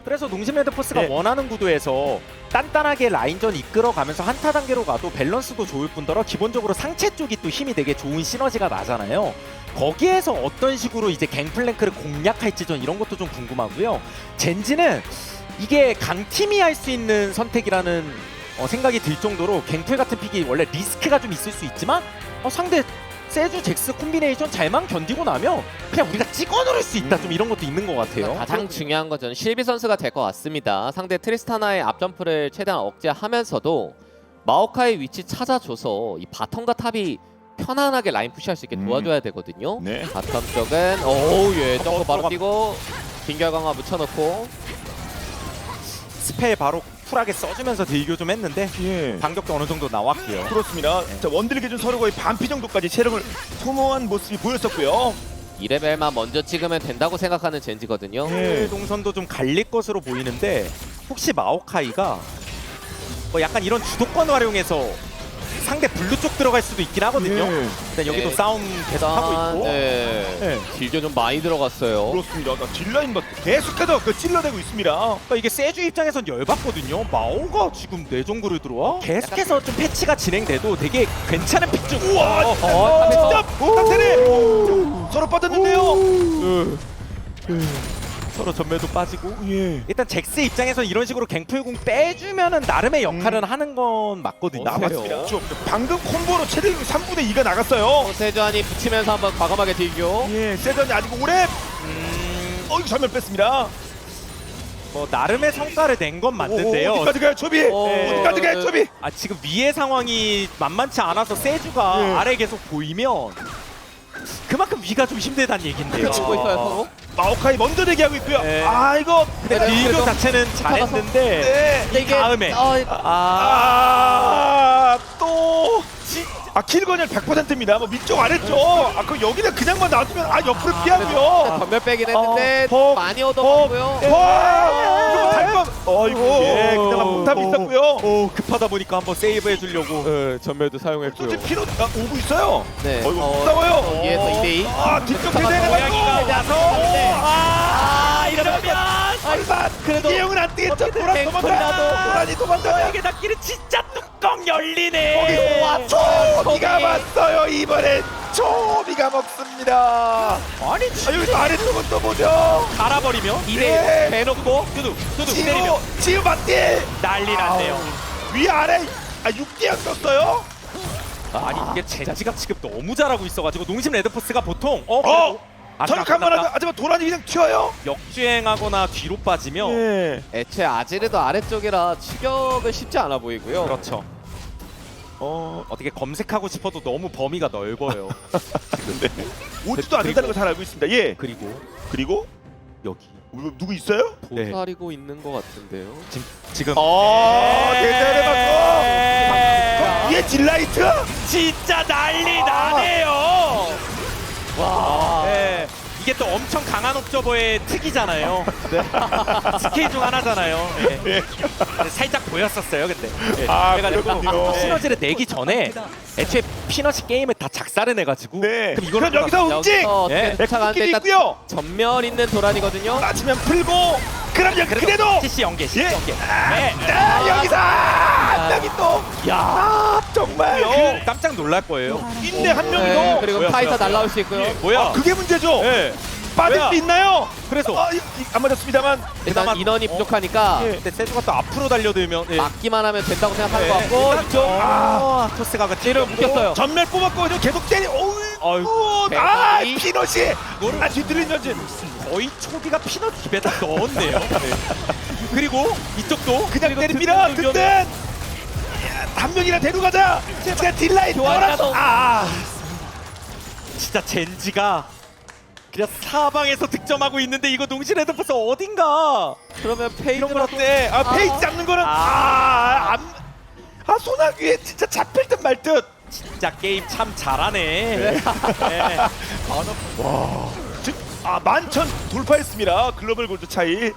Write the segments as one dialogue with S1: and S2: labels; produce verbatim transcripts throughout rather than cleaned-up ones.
S1: 그래서 농심 레드포스가
S2: 네.
S1: 원하는 구도에서 단단하게 라인전 이끌어가면서 한타 단계로 가도 밸런스도 좋을 뿐더러 기본적으로 상체 쪽이 또 힘이 되게 좋은 시너지가 나잖아요. 거기에서 어떤 식으로 이제 갱플랭크를 공략할지 전 이런 것도 좀 궁금하고요. 젠지는 이게 강팀이 할 수 있는 선택이라는 어, 생각이 들 정도로 갱플 같은 픽이 원래 리스크가 좀 있을 수 있지만 어, 상대 세주 잭스 콤비네이션 잘만 견디고 나면 그냥 우리가 찍어 누를 수 있다, 좀 이런 것도 있는 것 같아요.
S3: 가장 중요한 건 저는 실비 선수가 될 것 같습니다. 상대 트리스타나의 앞점프를 최대한 억제하면서도 마오카이 위치 찾아줘서 이 바텀과 탑이 편안하게 라인 푸시할 수 있게 도와줘야 되거든요.
S2: 네.
S3: 바텀 쪽은 오우 예 점프 바로
S1: 들어가-
S3: 뛰고 빙결 강화 묻혀놓고
S1: 스펠 바로 쿨하게 써주면서 딜교 좀 했는데
S2: 예.
S1: 반격도 어느 정도 나왔고요.
S2: 그렇습니다. 자, 원딜 기준 서로 거의 반피 정도까지 체력을 소모한 모습이 보였었고요.
S3: 이 레벨만 먼저 찍으면 된다고 생각하는 젠지거든요.
S2: 예.
S1: 동선도 좀 갈릴 것으로 보이는데 혹시 마오카이가 뭐 약간 이런 주도권 활용해서 상대 블루 쪽 들어갈 수도 있긴 하거든요.
S2: 예.
S1: 일단 여기도
S3: 네.
S1: 싸움 계속 하고
S3: 일단,
S1: 있고.
S3: 네.
S1: 네.
S3: 딜교 좀 많이 들어갔어요.
S2: 그렇습니다. 그러니까 딜라인 막 계속해서 그 찔러대고 있습니다.
S1: 그러니까 이게 세주 입장에선 열받거든요. 마오가 지금 내 정글을 들어와? 계속해서 좀 패치가 진행돼도 되게 괜찮은 픽 중.
S2: 우와,
S1: 어,
S2: 진짜
S1: 어,
S2: 진짜 딱 서로 빠졌는데요.
S1: 서로 전멸도 빠지고.
S2: 예.
S1: 일단 잭스 입장에선 이런 식으로 갱플궁 빼주면은 나름의 역할은 하는 건 맞거든요.
S2: 아, 맞습니다. 저, 방금 콤보로 체력이 삼분의 이가 나갔어요.
S3: 세주안이 붙이면서 한번 과감하게 딜교.
S2: 예, 세전이 아직 오래.
S1: 음,
S2: 어, 이거 전멸 뺐습니다.
S1: 뭐 나름의 성과를 낸 건 맞는데요.
S2: 오, 어디까지 가요, 초비?
S3: 오,
S2: 어디까지 가요, 초비?
S1: 아, 지금 위의 상황이 만만치 않아서 세주가
S2: 예.
S1: 아래 계속 보이면 그만큼 위가 좀 힘들다는 얘긴데요.
S3: 치고 있어요 서로.
S2: 마오카이 먼저 대기하고 있고요.
S1: 네.
S2: 아, 이거.
S1: 근데
S3: 네,
S1: 딜교
S3: 그래도
S1: 자체는 잘했는데
S2: 네.
S3: 근데 이게
S1: 다음에.
S3: 어,
S1: 아,
S2: 아, 또. 아, 킬건열 백 퍼센트입니다. 뭐 위쪽 아래쪽. 아, 그럼 여기는 그냥만 놔두면 아, 옆으로 피하고요.
S3: 전멸 빼긴 했는데
S2: 어,
S3: 많이 얻어먹고요.
S2: 어, 와! 이거 달 뻔. 어이구. 예, 그나마 몽탑이 있었고요.
S1: 오, 급하다 보니까 한번 세이브 해주려고.
S3: 네, 전멸도 사용했고요.
S2: 솔직히 피로 아, 오고 있어요.
S3: 네.
S2: 어이구,
S3: 어,
S2: 싸워요.
S3: 여기에서 이 대 이.
S2: 아, 뒤쪽 대대가
S1: 고양이가 와서. 아, 이러면
S2: 얼마
S3: 그래도
S2: 이형은 안 뛰겠죠. 도란 도망가.
S1: 갱플이라도.
S2: 도란이 도망가.
S1: 저에게 닿기는 진짜 뚜껑 열리네.
S2: 거기서 와 초비가 왔어요. 이번엔 초비가 먹습니다.
S1: 아니
S2: 아, 여기서 아래쪽은 또 뭐죠?
S1: 갈아버리면
S2: 예.
S1: 이대 대놓고 두둑 두둑 때리면
S2: 지우 지우 맞디.
S1: 난리 났네요.
S2: 위 아래 아 육 대양 썼어요?
S1: 아니 이게 젠지가 지금 너무 잘하고 있어가지고 농심 레드포스가 보통 어,
S2: 어.
S1: 아,
S2: 저렇게 한번 하면 하지만 도란이 그냥 튀어요.
S1: 역주행하거나 뒤로 빠지면
S2: 예.
S3: 애초에 아지르도 아래쪽이라 추격은 쉽지 않아 보이고요.
S1: 그렇죠. 어 어떻게 검색하고 싶어도 너무 범위가 넓어요.
S2: 오지도 않는다는 걸 잘 알고 있습니다. 예.
S1: 그리고
S2: 그리고
S1: 여기
S2: 누구, 누구 있어요?
S1: 네.
S3: 도사리고 있는 것 같은데요.
S1: 지금 지금
S2: 어, 대단해 봤어.
S1: 네.
S2: 얘 딜라이트?
S1: 진짜 난리 나네요. 와. 네. 이게 또 엄청 강한 옵저버의 특이잖아요. 네. 스킬 중 하나잖아요. 네. 네, 살짝 보였었어요, 근데. 네.
S2: 아,
S1: 그래가지고
S2: 그렇군요.
S1: 시너지를 내기 전에 애초에 피너시 게임을 다 작살을 내가지고.
S2: 네.
S1: 그럼 이거는
S2: 그럼 여기서 움직.
S3: 여기서 어떻게
S1: 예.
S3: 쫓아가는데
S2: 끼리
S3: 일단
S2: 있고요.
S3: 전멸 있는 도란이거든요.
S2: 맞으면 풀고. 그럼 여기 그래도.
S1: 씨씨 연계, 씨씨
S2: 예.
S1: 연계. 네.
S2: 아, 여기서 한 명이 또.
S1: 야,
S2: 아, 정말.
S1: 그 깜짝 놀랄 거예요.
S2: 인내 한 명이
S3: 네,
S2: 더.
S3: 그리고
S1: 뭐야,
S3: 카이사
S1: 뭐야,
S3: 날라올 수 있고요.
S1: 뭐야?
S2: 아, 그게 문제죠.
S1: 네.
S2: 빠질
S1: 뭐야?
S2: 수 있나요?
S1: 그래서
S2: 아, 이, 이, 안 맞았습니다만.
S3: 일단
S1: 그나마-
S3: 인원이
S1: 어.
S3: 부족하니까
S2: 예.
S1: 근데 세주가 또 앞으로 달려들면 예.
S3: 막기만 하면 된다고 생각하는
S1: 네.
S3: 것 같고
S1: 일단
S3: 이쪽
S1: 아, 토스가 그
S3: 찌를 묶였어요.
S2: 전멸 뽑았고 계속 때리. 어우.
S1: 아이고,
S2: 아,
S3: 대박이.
S2: 피넛이. 아, 뒤틀린 전진.
S1: 거의 초비가 피넛 입에다 넣었네요. 네. 그리고 이쪽도
S2: 그냥
S1: 그리고
S2: 때립니다.
S1: 든든
S2: 든든. 야, 한 명이나 데려가자. 제가 딜라인
S3: 교환이라도.
S2: 돌아서. 아.
S1: 진짜 젠지가 그냥 사방에서 득점하고 있는데 이거 농심 레드포스 어딘가
S3: 그러면
S2: 이런
S3: 페이드라도
S2: 건 어때? 아, 페이지
S3: 아.
S2: 잡는 거는
S1: 아.
S2: 아, 안. 아, 소나귀에 진짜 잡힐 듯 말 듯.
S1: 진짜 게임 참 잘하네. 네.
S2: 즉, 아, 만천 돌파했습니다. 글로벌 골드 차이.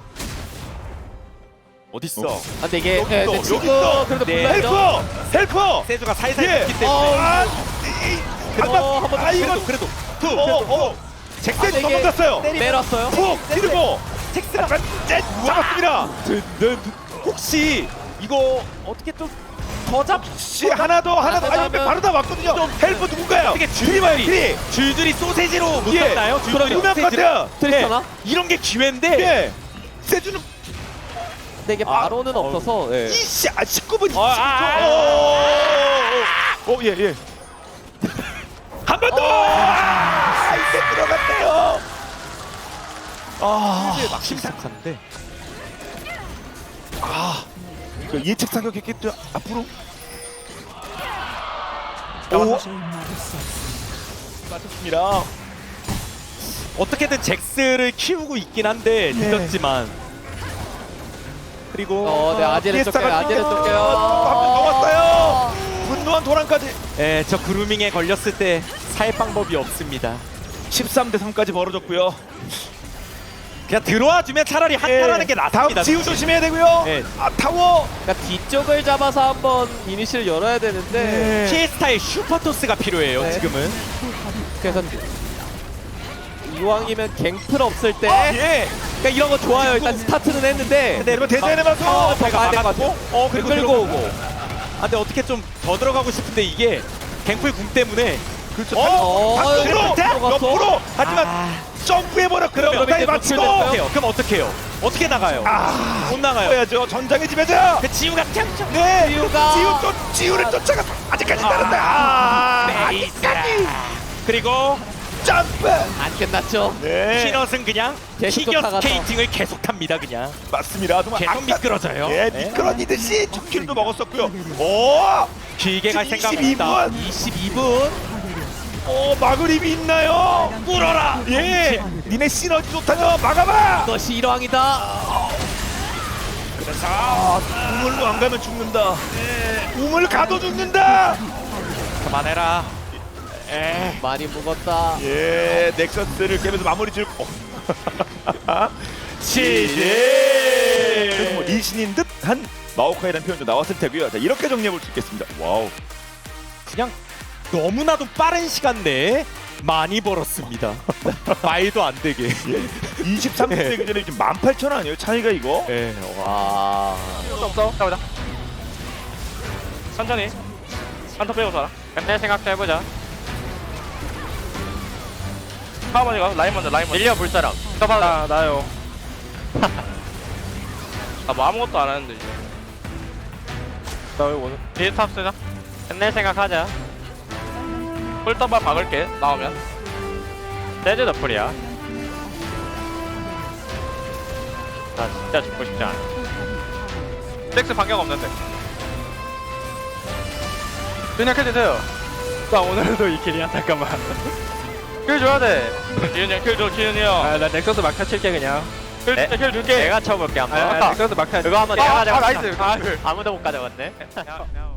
S1: 어딨어?
S2: 어.
S3: 아, 근데 이게
S2: 여기
S3: 네,
S2: 있어,
S3: 네,
S2: 여기
S3: 지금
S2: 있어.
S3: 그래도
S1: 네.
S3: 불러야죠.
S2: 헬퍼! 헬퍼!
S1: 세주가 살살
S2: 예.
S1: 붙기 때문에
S2: 아, 이, 한
S3: 어,
S2: 번.
S3: 한번
S2: 아, 이거
S1: 그래도 그래도
S2: 투. 어, 어.
S3: 아,
S2: 잭센이
S3: 이게
S2: 넘어갔어요.
S3: 내렸어요.
S2: 푹! 뒤르고.
S1: 잭스가
S2: 짠! 잡았습니다.
S1: 혹시 이거 어떻게 좀 더 잡?
S2: 씨 하나 더 하나 더. 아니 근데 바로 다 왔거든요. 헬프 누군가요?
S1: 어떻게
S2: 트리마요 트리.
S1: 줄줄이 소세지로 못
S2: 예.
S1: 잡나요? 줄줄이
S2: 유명
S1: 소세지로.
S2: 카트.
S3: 트리스타나?
S1: 이런 게 기회인데
S2: 예. 세주는
S3: 근데 이게 바로는 없어서 예.
S2: 이씨 아 십구 분.
S1: 어, 아, 아,
S2: 오예 예. 한 번 더. 아, 이제 들어갔대요. 아
S1: 막 심각한데.
S2: 아. 그 예측 사격했기 때문에 앞으로. 오. 맞췄습니다.
S1: 어떻게든 잭스를 키우고 있긴 한데
S2: 네.
S1: 늦었지만. 그리고
S3: 어, 네 아지를 쫓겨요. 아지를 쫓겨요.
S2: 한명 넘었어요. 분노한 도란까지.
S1: 예, 저 그루밍에 걸렸을 때 살 방법이 없습니다.
S2: 십삼 대 삼까지 벌어졌고요.
S1: 그냥 들어와 주면 차라리 한타라는 게
S2: 다음
S1: 낫습니다.
S2: 지우 조심해야 되고요.
S1: 네.
S2: 아 타워.
S3: 그러니까 뒤쪽을 잡아서 한번 이니시를 열어야 되는데
S2: 네.
S1: 피에스타의 슈퍼토스가 필요해요.
S3: 네.
S1: 지금은.
S3: 그래서 이왕이면 갱플 없을 때
S2: 어, 예.
S3: 그러니까 이런 거 좋아요. 일단 스타트는 했는데
S2: 근데 여러분 대전의 마소.
S1: 어,
S3: 더 가야 될것 같아요.
S1: 어, 그리고
S3: 끌고
S1: 들어가고.
S3: 오고.
S1: 아, 근데 어떻게 좀 더 들어가고 싶은데 이게 갱플 궁 때문에
S2: 그렇죠.
S3: 어,
S2: 반대로
S3: 들어갔어.
S2: 옆으로. 하지만
S1: 아,
S2: 점프해버려. 그럼
S1: 그러면
S2: 다이
S1: 이제
S2: 맞추고.
S1: 어떻게 해요? 그럼 어떻게 해요? 어떻게 나가요?
S2: 아,
S1: 못 나가요.
S2: 해야죠. 전장의 지배자.
S1: 그 지우가 짱짱.
S2: 네.
S3: 지우가.
S2: 지우 또 지우를 쫓아가. 아직까지 따른다. 아, 아직까지.
S1: 그리고
S2: 점프.
S3: 안 끝났죠.
S2: 네.
S1: 피넛은 그냥
S3: 계속
S1: 피겨
S3: 쫓아가서.
S1: 스케이팅을 계속 탑니다. 그냥
S2: 맞습니다. 정말
S1: 계속
S2: 아까-
S1: 미끄러져요.
S2: 예,
S1: 네.
S2: 미끄러지듯이 첫 킬도 먹었었고요. 오,
S1: 길게 갈
S2: 지금
S1: 생각
S2: 이십이
S1: 없다.
S2: 분.
S1: 이십이 분.
S2: 오, 막을 힘이 있나요?
S1: 뚫어라.
S2: 예, 니네 시너지 좋다며 막아봐.
S3: 너시 일왕이다.
S2: 그래서 아, 우물로 안 가면 죽는다. 우물 가도 죽는다.
S1: 그만해라. 에.
S3: 많이 묵었다.
S2: 예, 넥서스를 깨면서 마무리 줄. 어. 시제. 그래서 뭐 리신인 듯한 마오카이라는 표현도 나왔을 테고요. 자, 이렇게 정리해 볼 수 있겠습니다. 와우.
S1: 그냥 너무나도 빠른 시간 내에 많이 벌었습니다. 말도 안 되게.
S2: 예. 이십삼 분 되기 전에 지금 만 팔천 원 아니에요? 차이가 이거?
S1: 예.
S3: 와.
S4: 없어. 가보자. 천천히. 한타 빼고 살아. 근데 생각도 해보자. 하번이가 라인 먼저, 라인 먼저. 밀려 볼 사람. 가봐. 나 나요. 나 뭐 아무것도 안 하는데 이제. 나 여기 오늘. 비스탑 쓰자. 끝낼 생각하자. 꿀떡밥 박을게. 나오면. 세즈 더플이야. 나 진짜 죽고 싶지 않아. 잭스 반격 없는데. 그냥 해주세요. 나 오늘도 이 킬이야. 잠깐만. 킬 줘야 돼. 기훈이 형 킬 줘. 기훈이 형. 아, 나 넥서스 막타 칠게 그냥. 킬 줄게. 킬 줄게.
S3: 내가 쳐볼게 한번.
S4: 아, 넥서스 막타.
S3: 그거 한번
S4: 아,
S3: 내가
S4: 아,
S3: 가져갔다.
S4: 나이스. 아,
S3: 아무도 못 가져갔네.
S4: 야, 야.